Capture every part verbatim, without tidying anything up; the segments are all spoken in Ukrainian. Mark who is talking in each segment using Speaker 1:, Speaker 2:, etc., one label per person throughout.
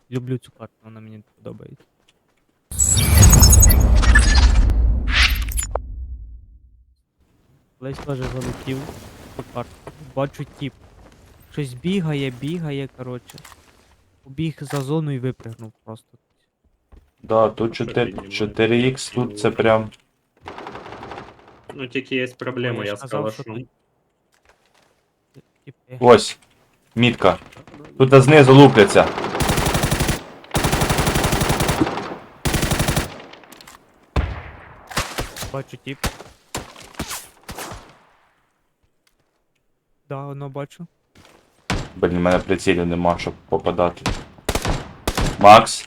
Speaker 1: люблю цю карту, вона мені подобається. Колись теж залетів цю карту. Бачу тіп. Щось бігає, бігає, коротше. Побіг за зону і випригнув просто.
Speaker 2: Да, тут
Speaker 3: Що
Speaker 2: чотири
Speaker 3: піднімає?
Speaker 2: чотири ікс, тут це прям.
Speaker 3: Ну тільки є проблема,
Speaker 1: Ой,
Speaker 3: я
Speaker 1: я ж казав, що
Speaker 3: скалашу.
Speaker 1: тут тіпи.
Speaker 2: Ось. Мітка. Тут знизу лупляться.
Speaker 1: Бачу тіп. Да, воно бачу.
Speaker 2: Блін, в мене прицілів нема, щоб попадати. Макс.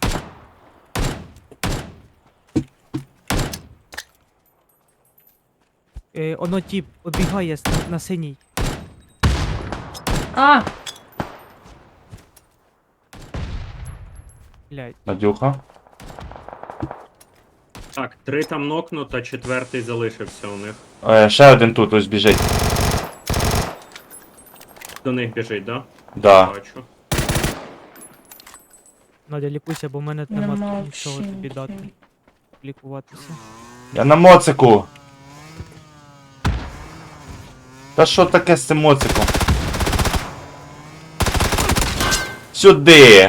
Speaker 1: Е, оно тіп, обігає с- на, на синій.
Speaker 4: А!
Speaker 1: Блядь.
Speaker 2: Надюха.
Speaker 3: Так, три там нокнуто, четвертий залишився у них.
Speaker 2: Е, ще один тут ось біжить.
Speaker 3: До них біжить, да?
Speaker 2: Да.
Speaker 3: Бачу.
Speaker 1: Надя, лікуйся, бо в мене нема
Speaker 4: Нема
Speaker 1: нічого
Speaker 4: взагалі
Speaker 1: тобі дати.
Speaker 4: нічого.
Speaker 1: Лікуватися.
Speaker 2: Я на моцику. Та що таке з цим моциком? Сюди!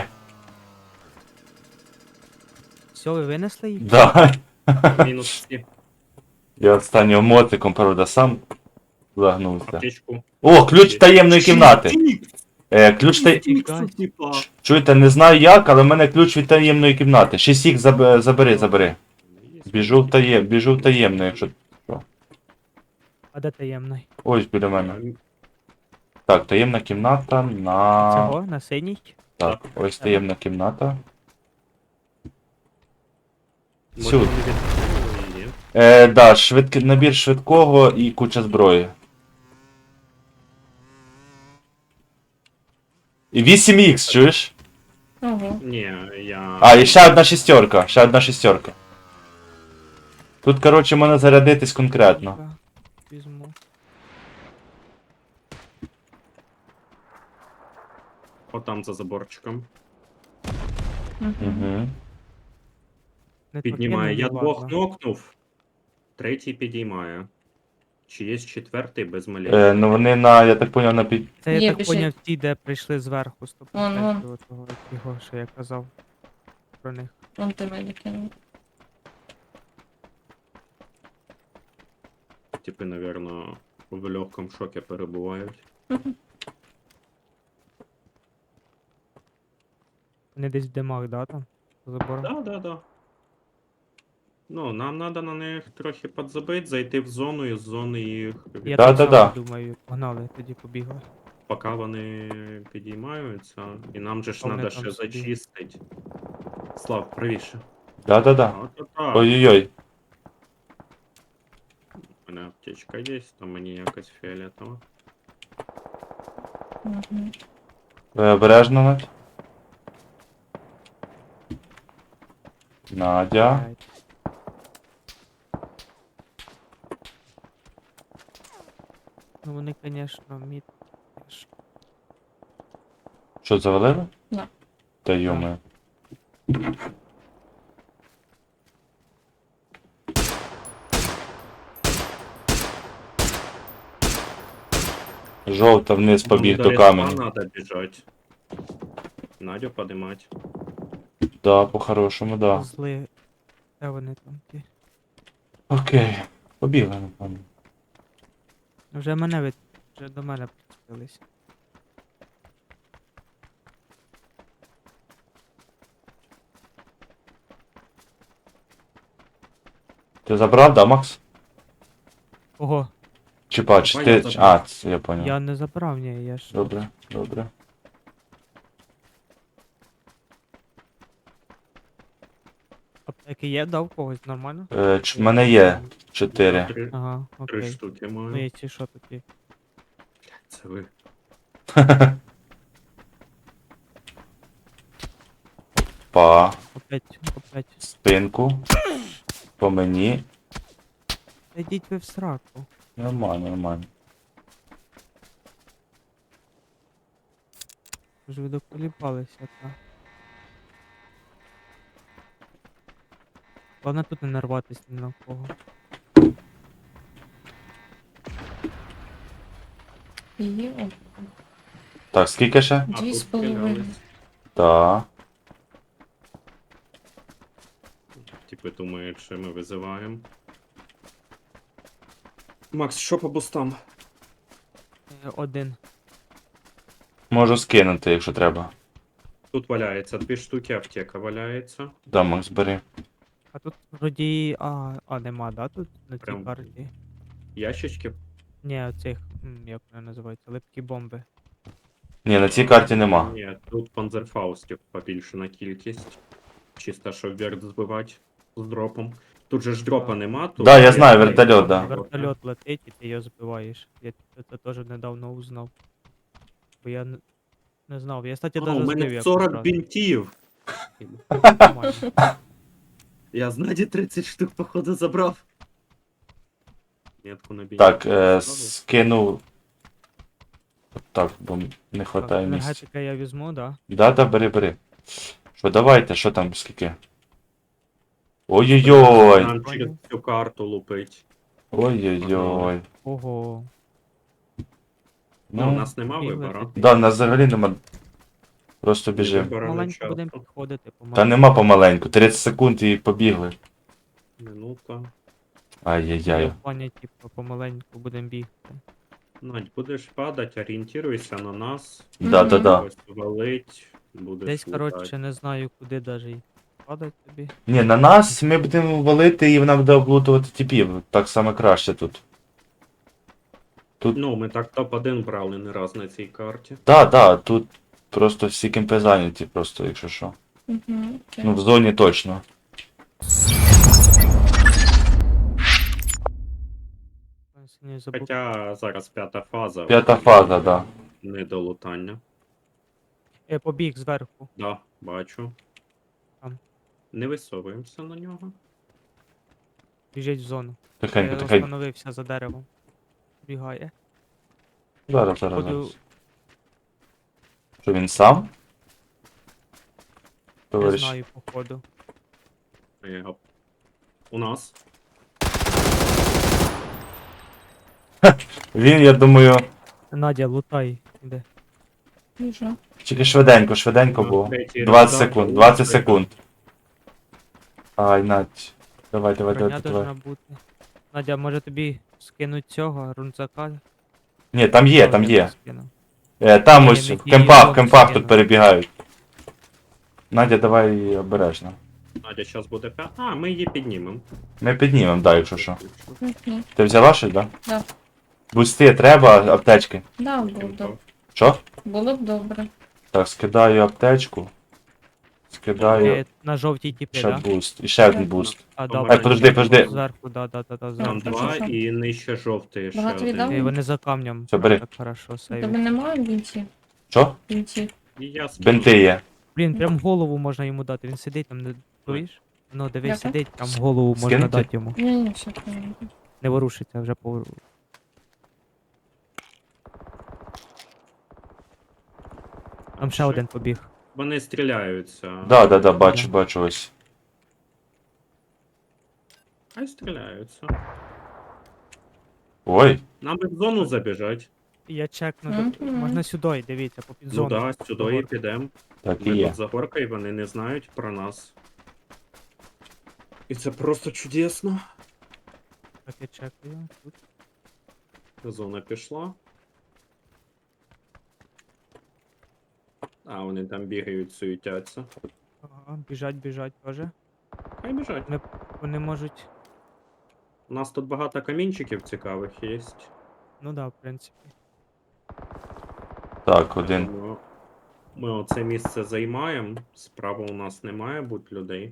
Speaker 1: Все, ви винесли їх?
Speaker 2: Да.
Speaker 3: Мінус всі.
Speaker 2: Я останнім моциком, правда, сам загнувся.
Speaker 3: Аптечку.
Speaker 2: О, ключ таємної кімнати. Е, ключ та...
Speaker 3: Типа.
Speaker 2: Чуєте, не знаю як, але в мене ключ від таємної кімнати. шість ікс заб... забери, забери. Біжу в таєм... Біжу в таємну, якщо...
Speaker 1: А де таємний?
Speaker 2: Ось біля мене. Так, таємна кімната на...
Speaker 1: Цього, на синій?
Speaker 2: Так, ось таємна кімната.
Speaker 3: Може,
Speaker 2: Сюди.
Speaker 3: вони відкрили її?
Speaker 2: Е, да, швидкий набір швидкого і куча зброї. І вісім ікс, чуєш?
Speaker 4: Ого.
Speaker 3: Ні, я...
Speaker 2: А, і ще одна шістерка, ще одна шістерка. Тут, коротше, можна зарядитись конкретно.
Speaker 1: Так, візьму.
Speaker 3: Отам за заборчиком.
Speaker 4: Мгм.
Speaker 2: Угу.
Speaker 1: Не
Speaker 3: Піднімає. Я
Speaker 1: покинули,
Speaker 3: двох
Speaker 1: ладно.
Speaker 3: нокнув. Третій підіймає. Чи є четвертий без малей?
Speaker 2: Е, ну вони на, я так поняв, на під...
Speaker 1: Це я
Speaker 4: Є,
Speaker 1: так
Speaker 4: біжить.
Speaker 1: поняв ті, де прийшли зверху сто
Speaker 4: Вон, вон.
Speaker 1: того його, що я казав про них.
Speaker 4: Вон ти мене кинув.
Speaker 3: Типи, напевно, в легкому шокі перебувають.
Speaker 1: Вони десь в димах, да, там? За забором?
Speaker 3: Да, да, да. Ну, нам треба на них трохи підзабити, зайти в зону і з зони їх,
Speaker 1: Я
Speaker 2: Да,
Speaker 1: так
Speaker 2: да,
Speaker 1: само
Speaker 2: да.
Speaker 1: думаю, погнали, тоді побігли.
Speaker 3: поки вони підіймаються. І нам же ж
Speaker 1: А вони
Speaker 3: треба
Speaker 1: там
Speaker 3: ще
Speaker 1: собі.
Speaker 3: зачистити. Слав, правіше.
Speaker 2: Да-да-да.
Speaker 3: От, от, так.
Speaker 2: Ой-ой-ой.
Speaker 3: У мене аптечка є, там мені якась фіолетова.
Speaker 4: Мгм.
Speaker 2: Ви обережно, Надь. Надя.
Speaker 1: Блядь. Ну вони, конечно, мід. теж.
Speaker 2: Що, завалили?
Speaker 4: Да.
Speaker 2: Та йоми. Жовта вниз побіг до каменю.
Speaker 3: Надо біжати. Надю подимать.
Speaker 2: Да, по-хорошому, да.
Speaker 1: Зли. Де вони там ті?
Speaker 2: Окей. Побігли, напевно.
Speaker 1: Вже мене від... Вже до мене підстились.
Speaker 2: Ти забрав, да, Макс?
Speaker 1: Ого,
Speaker 2: Чи бач,
Speaker 3: Давай
Speaker 2: ти...
Speaker 3: я забрав.
Speaker 2: А, це я понял.
Speaker 1: я не забрав, ні, я ж...
Speaker 2: Добре, добре.
Speaker 1: Аптеки є, дав когось, нормально?
Speaker 2: Е, ч... в мене є чотири.
Speaker 3: Три,
Speaker 1: Ага,
Speaker 3: три
Speaker 1: окей.
Speaker 3: штуки
Speaker 1: Ну
Speaker 3: маю.
Speaker 1: і ці що такі?
Speaker 3: Це ви.
Speaker 2: Па,
Speaker 1: Опять, опять.
Speaker 2: спинку. По мені.
Speaker 1: Та йдіть ви в сраку.
Speaker 2: Нормально, нормально.
Speaker 1: Вже ви доколіпалися, та. Головне тут не нарватися ні на кого.
Speaker 4: І о,
Speaker 2: Так, скільки ще?
Speaker 3: А,
Speaker 4: дві
Speaker 3: тут
Speaker 4: з половиною.
Speaker 3: стрілялись.
Speaker 2: Так.
Speaker 3: Типи думають, що ми визиваємо. Макс, що по бустам?
Speaker 1: Е, Один.
Speaker 2: Можу скинути, якщо треба.
Speaker 3: Тут валяється дві штуки, аптека валяється.
Speaker 2: Да, Макс, бери.
Speaker 1: А тут вроді. А, а нема, да, тут на цій
Speaker 3: Прям-
Speaker 1: карті?
Speaker 3: Ящички.
Speaker 1: Ні, оцих, м, як вони називаються, липкі бомби.
Speaker 2: Ні, на цій карті нема.
Speaker 3: Ні, тут панзерфаустів побільшена кількість. Чисто, щоб верт збивати з дропом. Тут же ж дропа нема. Тут
Speaker 2: Да, я
Speaker 3: є-
Speaker 2: знаю, вертольот, да.
Speaker 1: Вертольот летить і ти його збиваєш. Я це це теж недавно узнав. Бо я не, не знав. Я, кстати,
Speaker 3: О, у
Speaker 1: даже збив
Speaker 3: мене
Speaker 1: якось
Speaker 3: сорок
Speaker 1: раз.
Speaker 3: бінтів.
Speaker 1: Нормально.
Speaker 3: Я з Наді тридцять штук, походу, забрав. Метку на бінті.
Speaker 2: Так, е, скинув. Так, бо не
Speaker 1: Так,
Speaker 2: хватає місця.
Speaker 1: енергетика я візьму, да.
Speaker 2: Да, да, бери, бери. Що, давайте, що там, скільки? Ой-ой-ой!
Speaker 3: Нам через цю карту лупить.
Speaker 2: Ой-ой-ой.
Speaker 1: Ого.
Speaker 3: Ну, у
Speaker 2: Ну,
Speaker 3: нас нема
Speaker 1: бігли
Speaker 3: вибору.
Speaker 1: таки.
Speaker 2: да, в нас взагалі нема. Просто біжим.
Speaker 3: Вибору не
Speaker 1: Маленько будемо
Speaker 3: часто.
Speaker 1: підходити, помаленьку.
Speaker 2: Та нема помаленьку, тридцять секунд і побігли.
Speaker 3: Минута.
Speaker 2: Ай-яй-яй.
Speaker 1: В плані, типу, помаленьку будемо бігти.
Speaker 3: Надь, будеш падати, орієнтируйся на нас.
Speaker 2: Да-да-да.
Speaker 3: Ось валить, будеш
Speaker 1: Десь,
Speaker 3: лутати.
Speaker 1: коротше, не знаю, куди даже падать тобі.
Speaker 2: Ні, на нас ми будемо валити і вона буде облутувати типів. Так саме краще тут.
Speaker 3: Ну, ми так топ один брали не раз на цій карті.
Speaker 2: Да, да, тут просто всі кемпи зайняті, просто, якщо що.
Speaker 4: Угу, окей.
Speaker 2: Ну, в зоні точно.
Speaker 1: Не забув.
Speaker 3: Хоча зараз п'ята фаза.
Speaker 2: П'ята фаза, да.
Speaker 3: Не до лутання.
Speaker 1: Е, побіг зверху.
Speaker 3: Да, бачу.
Speaker 1: Там.
Speaker 3: Не висовуємося на нього.
Speaker 1: Біжить в зону.
Speaker 2: Тихенько,
Speaker 1: Я
Speaker 2: тихенько.
Speaker 1: остановився за деревом. Бігає.
Speaker 2: Зараз, зараз,
Speaker 1: Буду-
Speaker 2: зараз. Що він сам?
Speaker 1: Не
Speaker 2: Товариш.
Speaker 1: знаю, походу.
Speaker 3: Е, У нас.
Speaker 2: Він, я думаю,
Speaker 1: Надя, лутай. Іде.
Speaker 4: Біжу.
Speaker 2: тільки швиденько, швиденько
Speaker 3: Ну,
Speaker 2: було.
Speaker 3: третій
Speaker 2: двадцять
Speaker 3: раунд,
Speaker 2: секунд,
Speaker 3: да,
Speaker 2: двадцять
Speaker 3: лутайте.
Speaker 2: секунд. Ай, Надь. Давай, давай,
Speaker 1: Броня
Speaker 2: давай,
Speaker 1: должна
Speaker 2: давай.
Speaker 1: бути. Надя, може тобі скинуть цього, рунцака?
Speaker 2: Ні, там є,
Speaker 1: Що
Speaker 2: там
Speaker 1: я
Speaker 2: є.
Speaker 1: тобі скину?
Speaker 2: Е, там
Speaker 1: Ні,
Speaker 2: ось,
Speaker 1: не
Speaker 2: в
Speaker 1: ті,
Speaker 2: кемпах, в
Speaker 1: от
Speaker 2: кемпах
Speaker 1: скину.
Speaker 2: тут перебігають. Надя, давай обережно.
Speaker 3: Надя зараз буде п'ята. А, ми її піднімемо.
Speaker 2: Ми піднімемо, да, якщо що.
Speaker 4: Угу.
Speaker 2: Ти взяла щось, да?
Speaker 4: Да.
Speaker 2: Бусти треба, аптечки.
Speaker 4: Да, було б.
Speaker 2: Що?
Speaker 4: Було б добре.
Speaker 2: Так, скидаю аптечку. Скидаю
Speaker 1: Е, на жовтій тіпі,
Speaker 2: ще
Speaker 1: да?
Speaker 2: буст. І ще один буст.
Speaker 1: А,
Speaker 3: Там
Speaker 1: добре.
Speaker 3: Ай, подожди,
Speaker 2: подожди.
Speaker 1: Зверху, да, да, да, да,
Speaker 3: Там
Speaker 1: зверху.
Speaker 4: Так,
Speaker 3: два
Speaker 4: що, що?
Speaker 3: і нижче жовтий ще
Speaker 4: Багато
Speaker 3: один.
Speaker 4: віддав?
Speaker 1: Е, Вони за камнем.
Speaker 2: Все, бери.
Speaker 1: Так хорошо,
Speaker 4: У
Speaker 1: сейві.
Speaker 4: тебе немає бінтів?
Speaker 2: Що?
Speaker 4: Бінтів.
Speaker 3: І я скину.
Speaker 2: Бинти є.
Speaker 1: Блін, прям голову можна йому дати. Він сидить там, не чуєш? Ну, дивись,
Speaker 4: Дякую.
Speaker 1: сидить, там голову можна
Speaker 2: Скинути?
Speaker 1: дати йому.
Speaker 4: Ні, ні, все правильно.
Speaker 1: Не ворушиться вже по. Там ще
Speaker 3: Що?
Speaker 1: один побіг.
Speaker 3: Вони стріляються.
Speaker 2: Да, да, да, бачу, бачу ось.
Speaker 3: Хай стріляються.
Speaker 2: Ой,
Speaker 3: Нам би в зону забіжать.
Speaker 1: Я чекну,
Speaker 4: Мгм.
Speaker 1: до- можна сюди, дивіться, по
Speaker 3: Ну
Speaker 1: підзону.
Speaker 3: да, сюди і підемо.
Speaker 2: так і
Speaker 3: Ми
Speaker 2: є.
Speaker 3: тут за горкою, вони не знають про нас. І це просто чудесно.
Speaker 1: Так я чекаю. Тут.
Speaker 3: Зона пішла. А, вони там бігають, суетяться.
Speaker 1: Ага, біжать, біжать теж.
Speaker 3: Хай біжать.
Speaker 1: Вони, вони можуть.
Speaker 3: У нас тут багато камінчиків цікавих є.
Speaker 1: Ну да, в принципі.
Speaker 2: Так, один.
Speaker 3: Тому ми оце місце займаємо. Справа у нас не має бути людей.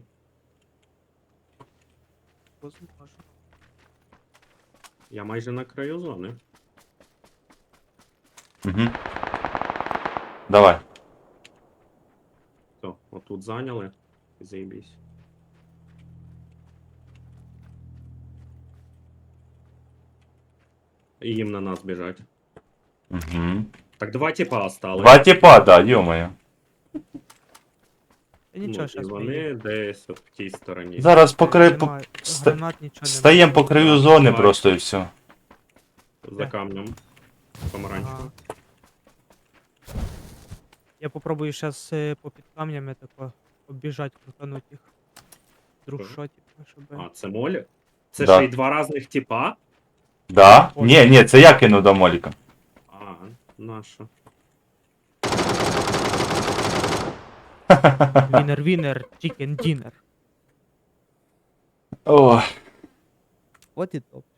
Speaker 1: Возможно.
Speaker 3: Я майже на краю зони.
Speaker 2: Угу. Давай.
Speaker 3: То, отут зайняли. Заєбісь. І їм на нас біжать.
Speaker 2: Угу.
Speaker 3: Так два типа осталось.
Speaker 2: Два типа, да, ё-моё.
Speaker 1: Та нічого,
Speaker 3: Ну, і
Speaker 1: щас ми
Speaker 3: вони
Speaker 1: їх-
Speaker 3: десь от в тій стороні.
Speaker 2: Зараз покри... по-
Speaker 1: Нема-
Speaker 2: ста-
Speaker 1: Гранат нічого немає.
Speaker 2: Стаємо по краю
Speaker 3: Так,
Speaker 2: зони
Speaker 3: давай.
Speaker 2: просто і все.
Speaker 3: За камнем. Помаранчево.
Speaker 1: Ага. Я попробую зараз по під камнями тако обіжать, крутануть їх. Друг
Speaker 3: Ага.
Speaker 1: що, типу, щоб...
Speaker 3: А, це молі? Це
Speaker 2: Да.
Speaker 3: ще й два різних типа?
Speaker 2: Да?
Speaker 1: Ой.
Speaker 2: Ні, ні, це я кинув до Моліка.
Speaker 3: А, наша.
Speaker 1: Вінер, вінер, чікен дінер.
Speaker 2: О,
Speaker 1: От і топ.